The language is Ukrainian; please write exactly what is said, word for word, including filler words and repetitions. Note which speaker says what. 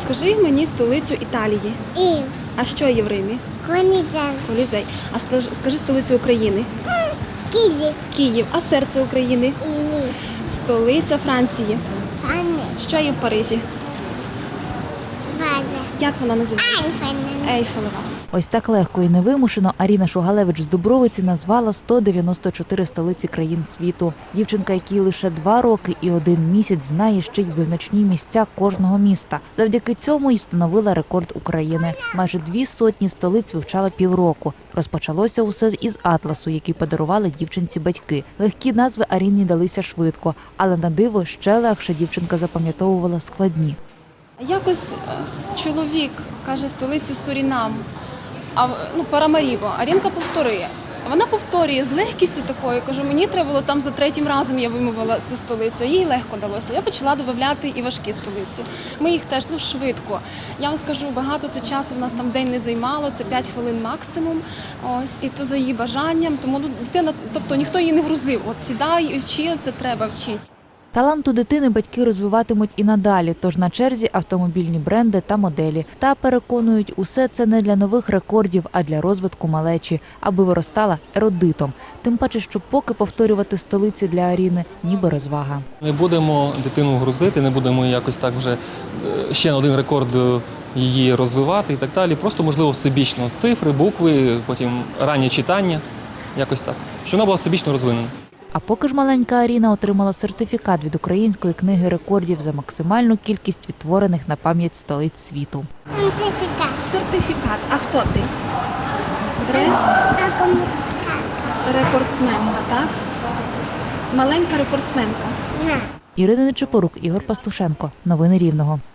Speaker 1: скажи мені столицю Італії.
Speaker 2: І
Speaker 1: А що є в Римі?
Speaker 2: Колізей.
Speaker 1: Колізей. А стаж- скажи столицю України.
Speaker 2: Київ.
Speaker 1: Київ. А серце України?
Speaker 2: І
Speaker 1: Столиця Франції.
Speaker 2: Пане.
Speaker 1: Що є в Парижі?
Speaker 2: База.
Speaker 1: Як вона називається?
Speaker 2: Айфен.
Speaker 1: Ейфелева.
Speaker 3: Ось так легко і невимушено Аріна Шугалевич з Дубровиці назвала сто дев'яносто чотири столиці країн світу. Дівчинка, якій лише два роки і один місяць, знає ще й визначні місця кожного міста. Завдяки цьому й встановила рекорд України. Майже дві сотні столиць вивчала півроку. Розпочалося усе із атласу, який подарували дівчинці батьки. Легкі назви Аріні далися швидко, але на диво ще легше дівчинка запам'ятовувала складні.
Speaker 1: Якось е, чоловік каже столицю Сурінам, а ну Парамарібо. Арінка повторює. Вона повторює з легкістю такою. Кажу, мені треба було там за третім разом я вимовила цю столицю. Їй легко далося. Я почала додавати і важкі столиці. Ми їх теж ну швидко. Я вам скажу, багато це часу в нас там день не займало, це п'ять хвилин максимум. Ось і то за її бажанням. Тому ну, дитина, тобто ніхто її не грузив. От сідай і вчи, це треба вчити.
Speaker 3: Талант у дитини батьки розвиватимуть і надалі, тож на черзі автомобільні бренди та моделі. Та переконують, усе це не для нових рекордів, а для розвитку малечі, аби виростала ерудитом. Тим паче, що поки повторювати столиці для Аріни – ніби розвага.
Speaker 4: Не будемо дитину грузити, не будемо якось так вже е, ще на один рекорд е, її розвивати і так далі. Просто, можливо, всебічно цифри, букви, потім раннє читання, якось так. Щоб вона була всебічно розвинена.
Speaker 3: А поки ж маленька Аріна отримала сертифікат від Української книги рекордів за максимальну кількість відтворених на пам'ять столиць світу.
Speaker 2: Сертифікат.
Speaker 1: Сертифікат. А хто ти? Ре...
Speaker 2: А комуська.
Speaker 1: Рекордсменка, так? Маленька рекордсменка.
Speaker 2: На.
Speaker 3: Ірина Нечипорук, Ігор Пастушенко. Новини Рівного.